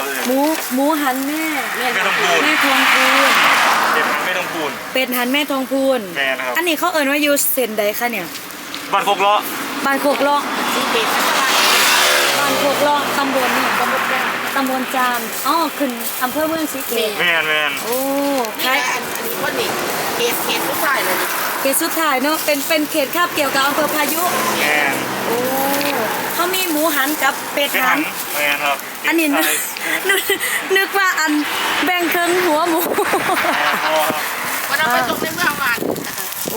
ครับหมูหันแม่ทองพูนแม่ทองพูนเป็ดหันแม่ทองพูนเป็ดหันแม่ทองพูนแม่นะครับอันนี้เขาเอ่นว่าอยู่เส้นใดคะเนี่ยบ้านโคกเลาะบ้านโคกเลาะบ้านโคกเลาะตำบลเนี่ยตำบลจามอ๋อขึ้นอำเภอเมืองศรีเกตแม่โอ้ใช่อันนี้ว่านี่เขตสุดท้ายเลยเขตสุดท้ายเนาะเป็นเขตคาบเกี่ยวกับอำเภอพายุแม่โอ้เขามีหมูหันกับเป็ดหันแม่ครับอันนี้นึกว่าอันแบ่งครึ่งหัวหมูวันนั้นไปตรงในเมืองมันโอ้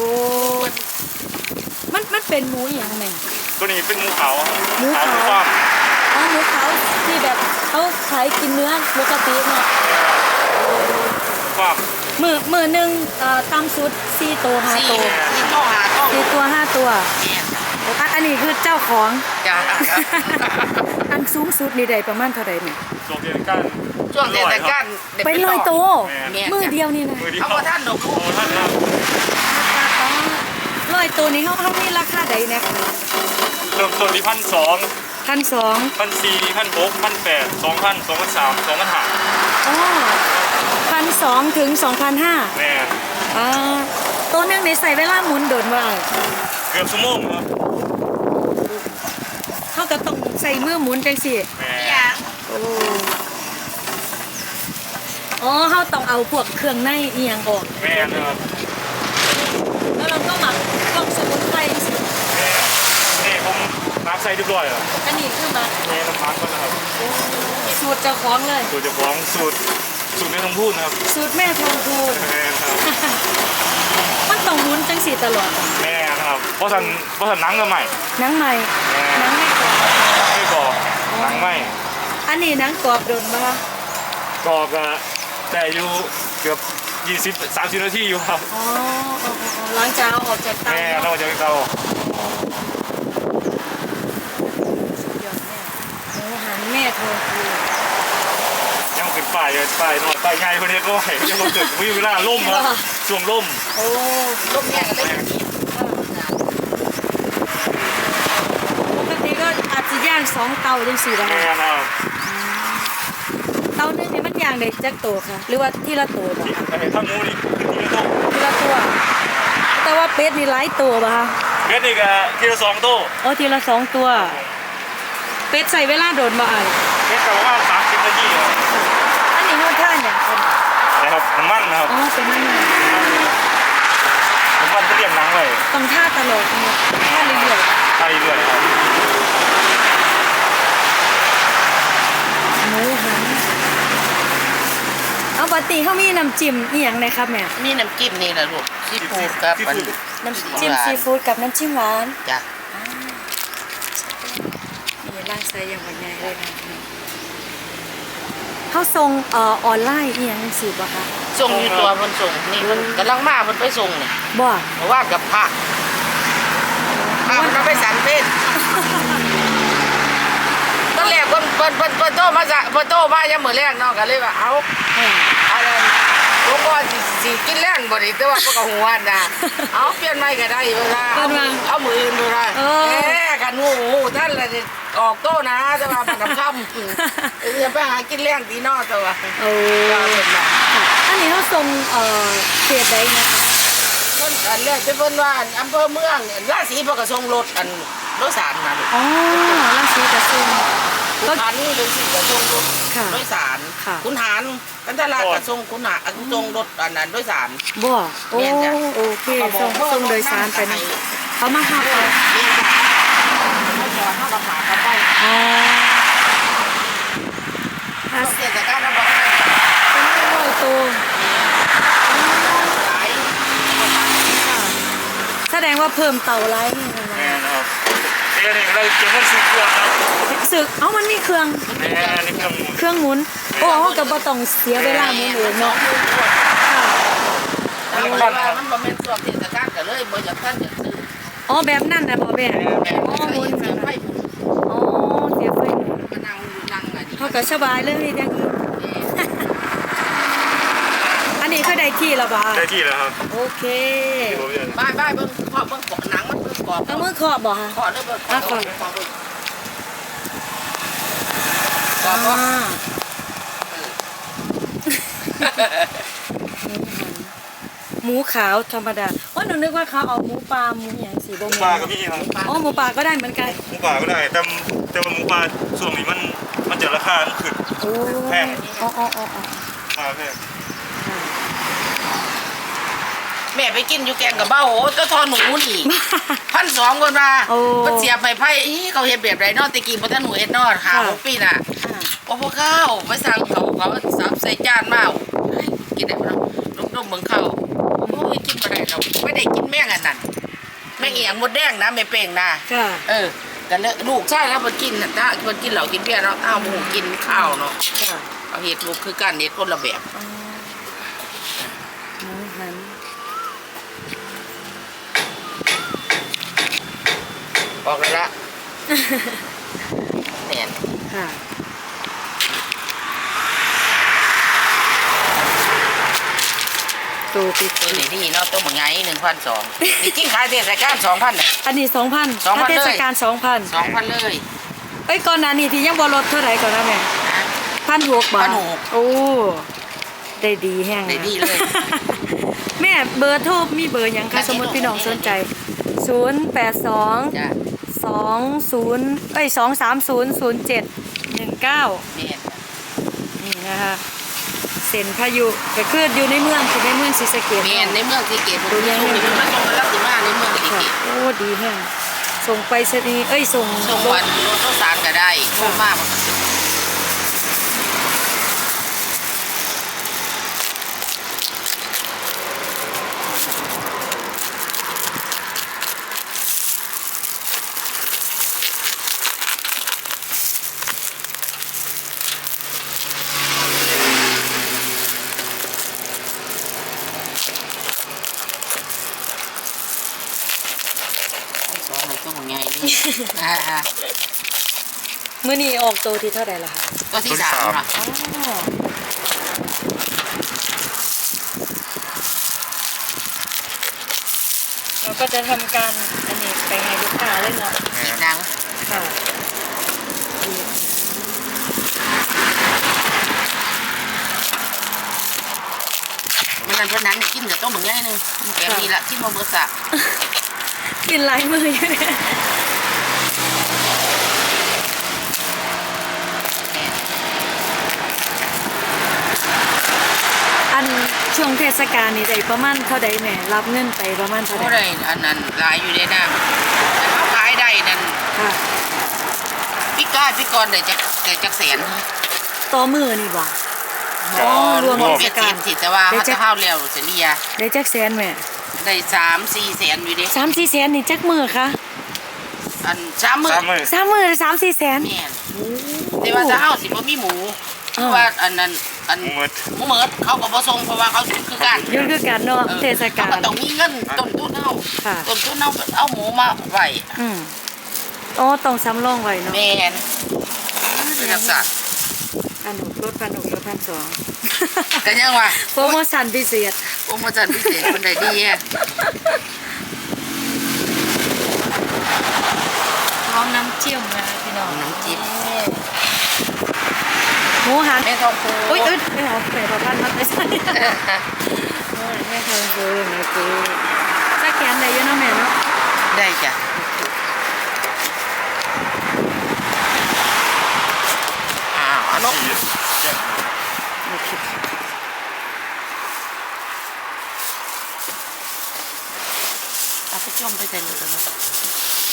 มันเป็นหมูอย่างไงตัวนี้เป็นหมูเขาหมูเขาอ๋อหมูเขาที่แบบเขาขายกินเนื้อปกติเนาะมือหนึ่งตำสุด4 ตัว 5 ตัว4 ตัว 5 ตัวอันนี้คือเจ้าของอันสูงสุดนี่ได้ประมาณเท่าไหร่เนี่ยช่วงเทศกาลเป็น100 ตัวมือเดียวนี่นะเอาท่านหนูท่านครับ 100 ตัวนี้เขามีราคาใดนะคะเริ่มต้นที่1,200 1,200 1,400 1,600 1,800 2,000 2,300 2,500 อ๋อ1,200 ถึง 2,500 แม่ตัวนึงในใส่เวลาหมุนโดนว่าเกือบชั่วโมงครับเขาก็ต้องใส่มือหมุนจังสิแม่อ๋อเขาต้องเอาพวกเครื่องในเอียงออกแม่ครับแล้วเราก็หมักพวกสมุนไพรสินี่ผมมักใส่เรียบร้อยแล้วอันนี้คือมักแม่น้ำมันก่อนนะครับสูตรเจ้าของเลยสูตรเจ้าของสูตรแม่ทองพูนครับสูตรแม่ทองพูนแม่ครับมันต้องหมุนจังสิตลอดแม่ครับเพราะฉันหนังก็ใหม่หนังใหม่หนังไม่กรอบหนังใหม่อันนี้หนังกรอบโดนปะกรอบแต่อยู่เกือบ20-30 นาทีอยู่ครับอ๋อหลังจากเอาออกจากเตาแม่เราจะเตาหมูหันแม่ทองพูนยังขึ้นป้ายนอนป้ายใหญ่คนนี้ก็เห็นยังมาเกิดวิวล่าล่มครับช่วงล่มโอ้ล่มแง่กันเลยปกติก็อาจจะย่าง2 เตาจังสิได้เตานึงนี่มันย่างได้จักตัวค่ะหรือว่าทีละตัวถ้าหมูนี่ทีละตัวแต่ว่าเป็ดนี่หลายตัวป่ะคะเป็ดนี่ก็ทีละ2 ตัวอ๋อทีละ2 ตัวเป็ดใส่เวลาโดนบ่อ่ะเป็ดประมาณ30 นาทีครับอันนี้เขาท่าอย่างคนนะครับน้ำมันนะครับอ๋อเป็นน้ำมันจะเรียงหนังเลยต้องท่าตลอดท่าเรื่อยครับหมูหันเอาปกติเขามีน้ำจิ้มอีหยังเลยครับแม่มีน้ำจิ้มนี่แหละลูกซีฟู้ดครับน้ำจิ้มซีฟู้ดกับน้ำจิ้มหวานจ้ะนี่ร่างใส่อย่างวันใหญ่เลยนะเขาส่งออนไลน์อีหยังสิบ่คะส่งอยู่ตัวมันส่งนี่มันกำลังมามันไปส่งนี่บ่เพราะว่ากับพระมันไปสันเพศตอนแรกเพิ่นโตมายังมื้อแรกเนาะก็เลยว่าเอาอะไรหลวงพ่อสิกินแรงบ่ได้แต่ว่าก็หัวน่ะเอาเปลี่ยนใหม่ก็ได้เวลาเอามื้ออื่นบ่ได้กันงูท่านละออกโตนะแต่ว่ามันค่ำจะไปหากินแรงตีนอตัวอันนี้เขาส่งเขตใดนะคะนั่นอันแรกจะเพิ่นว่าอำเภอเมืองราศีพระกระทรงรถรถสารมาอ๋อราศีกระทรงขุนหารนี่เลยสิกระทรงรถรถสารขุนหารกันทรากระทรงขุนหารทรงรถอันนั้นรถสารบ่โอเคส่งโดยสารไปนะเขามาขับไปเขาก็พาเขาไปเสียจากการระบายเป็น100 ตัวแสดงว่าเพิ่มเตาไร้นี่นะแม่ครับนี่เราจะมันสึกเครื่องครับสึกมันมีเครื่องเครื่องหมุนโอ้เขากับต้องเสียเวลาหมุนเนาะมันบ่แม่นตัวเสียจากการก็เลยบ่อยากท่านอยากซื้ออ๋อแบบนั่นนะบ่แม่หมุนไฟอ๋อเสียไฟนั่งเขาก็สบายเลยอย่างนี้อันนี้ก็ได้ที่แล้วบ่ได้ที่แล้วครับโอเคบ้าเบิ่งเคาะเบิ่งเกาะหนังมันเบิ่งกรอบเอามือเคาะบ่ฮะเคาะแล้วเบิ่งเคาะหมูขาวธรรมดาว่าหนูนึกว่าเขาเอาหมูปลาหมูอย่างสีบหมูป่าก็มีครับอ๋อหมูปลาก็ได้เหมือนกันหมูป่าก็ได้แต่ว่าหมูป่าช่วงนี้มันจะราคาขึ้นโอ้แพงอ๋ออ๋ออ๋อมาแพงแม่ไปกินอยู่แกงกับเบ้าโอ้เจ้าทอหนูนี่1,200คนมาโอ้มันเสียบไม้ไผ่เขาเฮ็ดแบบไรเนาะตะกี้บ่ทันหนูเฮ็ดเนาะหา6 ปีน่ะบ่พอข้าวไปสั่งเขาสับใส่จานมากินได้บ่เนาะลูกๆเบิ่งข้าวโอ้ยกินบ่ได้ดอกไม่ได้กินแม่งอันนั้นแม่งอีหยังมดแดงนะแม่เป้งนะค่ะกันเลยลูกใช่แล้วเพิ่นกินน่ะถ้าเพิ่นกินเหล้ากินเบียร์เนาะอ้าวหมูกินข้าวเนาะค่ะเอาเฮ็ดลูกคือกันเฮ็ดคนละแบบอ๋อหมูหันออกเลยละเนี่ยค่ะตัวปิดตัวนี้ดีเนาะตัวเหมือนไง1,200นี่กินขายเทศกาล2,000น่ะอันนี้2,000 2,000 ถ้าเทศกาล 2,000 2,000เลยเอ้ยก่อนหน้านี้ที่ยังบ่ลดเท่าไหร่ก่อนนะแม่1,600 บาท 1,600 โอ้ได้ดีแห้งได้ดีเลยแม่เบอร์โทรมีเบอร์หยังคะสมมติพี่น้องสนใจ 082 จ้ะ 230เอ้ย2300719 เนี่ยนี่นะคะเส้นพายุก็คืออยู่ในเมืองคือในเมืองศรีสะเกษเมียนในเมืองสีเกตผมยังมีมันส่งมารับสิมาในเมืองสีค่ะเกตโอ้ดีแห้งส่งไปสนีย์เอ้ยส่งส่งวันรถต้องสารก็ได้โคตรมากมันก็สิสองเลยตัวของไงนี่มื้อนี้ออกตัวที่เท่าไหร่ล่ะคะตัวที่3น่ะอ๋อเราก็จะทำการอันนี้ไปให้ลูกค้าเลยเนาะอีกนางค่ะมันนั่นเพราะนั้นกินแต่ต้มเหมือนไงนึงแบบนี้ละที่มาเบอร์สะกินหลายมืออยู่เนี่ยอันช่วงเทศกาลนี่ได้ประมาณเท่าใดแม่รับเงินไปประมาณเท่าก็ใดได้อันนั้นหลายอยู่ในน้ำแต่เขาขายได้นั่นค่ะพี่กรได้จักแสนต่อมือนี่บ่ อ๋อรวมเบ็ดเสร็จสิแต่ว่าเขาจะเข้าเร็วเสียเรียได้จักแสนแม่ได้3-4 แสนอยู่ดิ 3-4 แสนนี่จักมือคะอัน3 มื้อ 3 มื้อ 3มือ3-4 แสนแม่นแต่ว่าถ้าเฮาสิบ่มีหมูเพราะว่าอันนั้นอันหมูหมดหมูเหมิดเขาก็บ่ส่งเพราะว่าเขาซื้อคือกันยุ่งคือกันเนาะเทศกาเขาลก็ต้องมีเงินต้นทุนเฮาค่ะต้นทุนเฮาเอาหมูมาไว้อืมอ๋อต้องสำรองไว้เนาะแม่นเป็นจังซั่นอันหนุลด1,200 ก็ยังว่าโปรโมชั่นพิเศษโอ้มาจันพิเศษคนใดดีแฮะพร้อมน้ำจิ้มนะพี่น้องน้ำจิ้มหมูหันแม่ทองคูอุ้ยไม่เอาแม่ประพันธ์มาไปใส่แม่ทองคูนะคือถ้าแขนได้เยอะเนาะแม่เนาะได้จ้ะอ้าวอันนกที่แยกโอเคเอาไปจมไปใส่เลยกัน